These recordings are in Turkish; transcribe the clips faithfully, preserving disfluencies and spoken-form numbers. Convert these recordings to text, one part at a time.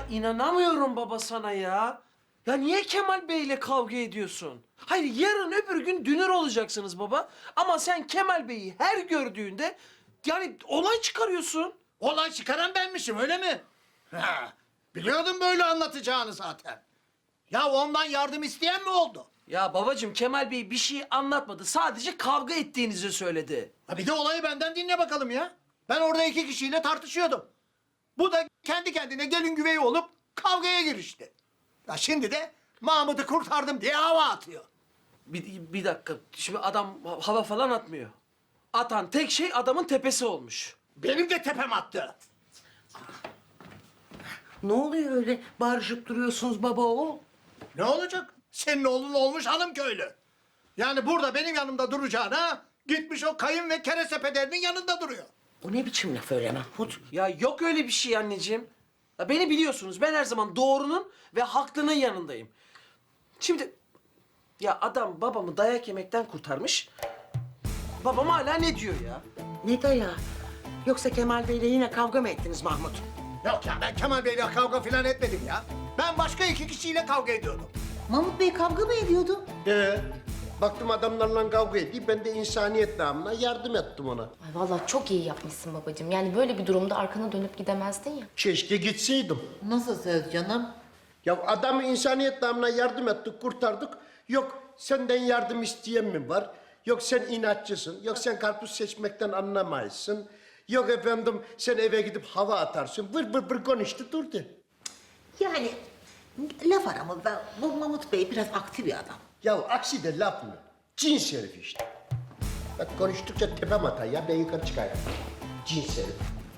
inanamıyorum baba sana ya. Ya niye Kemal Bey'le kavga ediyorsun? Hayır, yarın öbür gün dünür olacaksınız baba. Ama sen Kemal Bey'i her gördüğünde yani olay çıkarıyorsun. Olay çıkaran benmişim öyle mi? Ha, biliyordum böyle anlatacağını zaten. Ya ondan yardım isteyen mi oldu? Ya babacığım, Kemal Bey bir şey anlatmadı. Sadece kavga ettiğinizi söyledi. Ha bir de olayı benden dinle bakalım ya. Ben orada iki kişiyle tartışıyordum. Bu da kendi kendine gelin güveyi olup kavgaya girişti. Ya şimdi de Mahmut'u kurtardım diye hava atıyor. Bir, bir dakika. Şimdi adam hava falan atmıyor. Atan tek şey adamın tepesi olmuş. Benim de tepem attı. Ne oluyor öyle bağırışıp duruyorsunuz baba oğul? Ne olacak? Senin oğlun olmuş hanım köylü. Yani burada benim yanımda duracağına gitmiş o kayın ve kereste pederinin yanında duruyor. Bu ne biçim laf öyle Mahmut? Ya yok öyle bir şey anneciğim. Ya beni biliyorsunuz. Ben her zaman doğrunun ve haklının yanındayım. Şimdi ya adam babamı dayak yemekten kurtarmış. Babam hala ne diyor ya? Ne dayağı? Yoksa Kemal Bey'le yine kavga mı ettiniz Mahmut? Yok ya ben Kemal Bey'le kavga falan etmedim ya. Ben başka iki kişiyle kavga ediyordum. Mahmut Bey kavga mı ediyordu? Ee, baktım adamlarla kavga ediyor. Ben de insaniyet namına yardım ettim ona. Ay vallahi çok iyi yapmışsın babacığım. Yani böyle bir durumda arkana dönüp gidemezdin ya. Keşke gitseydim. Nasıl söz canım? Ya adamı insaniyet namına yardım ettik, kurtardık. Yok senden yardım isteyen mi var? Yok sen inatçısın. Yok sen karpuz seçmekten anlamayısın. Yok efendim sen eve gidip hava atarsın. Vır vır vır konuştu durdu. Yani laf aramızda bu Mahmut Bey biraz aktif bir adam. Ya aksi de laf mı? Cins herif işte. Bak konuştukça tepem atar ya, ben yukarı çıkayım. Cins herif.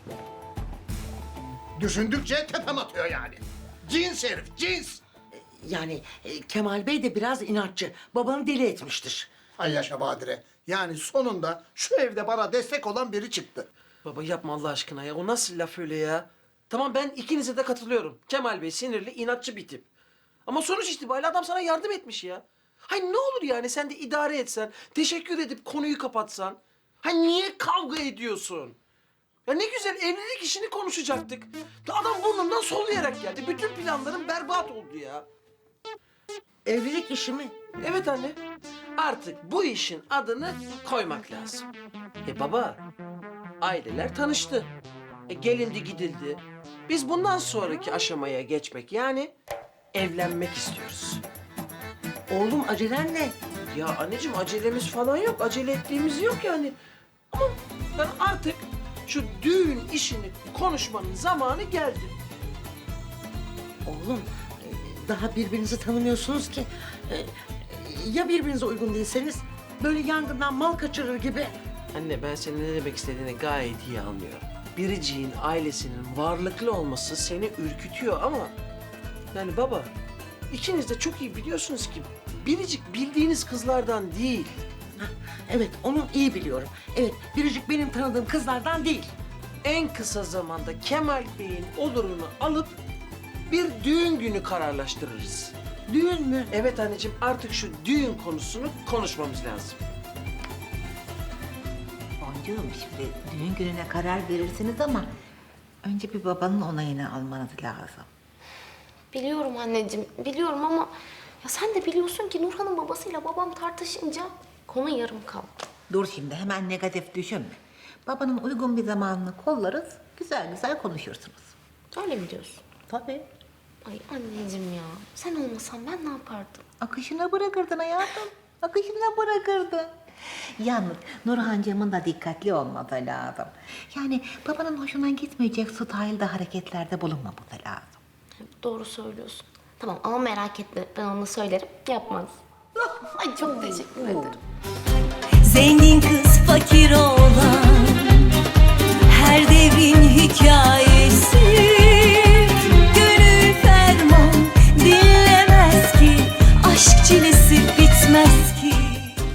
Düşündükçe tepem atıyor yani. Cins herif, cins. Yani e, Kemal Bey de biraz inatçı. Babanı deli etmiştir. Ay yaşa Badire. Yani sonunda şu evde bana destek olan biri çıktı. Baba yapma Allah aşkına ya. O nasıl laf öyle ya? Tamam, ben ikinize de katılıyorum. Kemal Bey sinirli, inatçı bir tip. Ama sonuç itibariyle adam sana yardım etmiş ya. Hay ne olur yani sen de idare etsen, teşekkür edip konuyu kapatsan. Hay niye kavga ediyorsun? Ya ne güzel evlilik işini konuşacaktık. Adam burnumdan soluyarak geldi. Bütün planlarım berbat oldu ya. Evlilik işi mi? Evet anne. Artık bu işin adını koymak lazım. E baba, aileler tanıştı. E gelindi gidildi. Biz bundan sonraki aşamaya geçmek yani evlenmek istiyoruz. Oğlum acelen ne? Ya anneciğim acelemiz falan yok. Acele ettiğimiz yok yani. Ama yani artık şu düğün işini konuşmanın zamanı geldi. Oğlum e, daha birbirinizi tanımıyorsunuz ki. E, Ya birbirinize uygun değilseniz böyle yangından mal kaçırır gibi. Anne ben senin ne demek istediğini gayet iyi anlıyorum. Biricik'in ailesinin varlıklı olması seni ürkütüyor ama... Yani baba, ikiniz de çok iyi biliyorsunuz ki Biricik bildiğiniz kızlardan değil. Hah, evet onu iyi biliyorum. Evet Biricik benim tanıdığım kızlardan değil. En kısa zamanda Kemal Bey'in olurunu alıp bir düğün günü kararlaştırırız. Düğün mü? Evet anneciğim, artık şu düğün konusunu konuşmamız lazım. Boncuğum şimdi düğün gününe karar verirsiniz ama önce bir babanın onayını almanız lazım. Biliyorum anneciğim, biliyorum ama ya sen de biliyorsun ki Nurhan'ın babasıyla babam tartışınca konu yarım kaldı. Dur şimdi hemen negatif düşünme. Babanın uygun bir zamanını kollarız, güzel güzel konuşursunuz. Öyle mi diyorsun? Tabii. Ay anneciğim ya, sen olmasan ben ne yapardım? Akışına bırakırdın hayatım. Akışına bırakırdın. Yalnız Nurhancığımın da dikkatli olması lazım. Yani babanın hoşuna gitmeyecek stylede hareketlerde bulunmaması lazım. Doğru söylüyorsun. Tamam ama merak etme, ben onu söylerim, yapmaz. Ay çok teşekkür ederim. Zengin kız fakir oğlan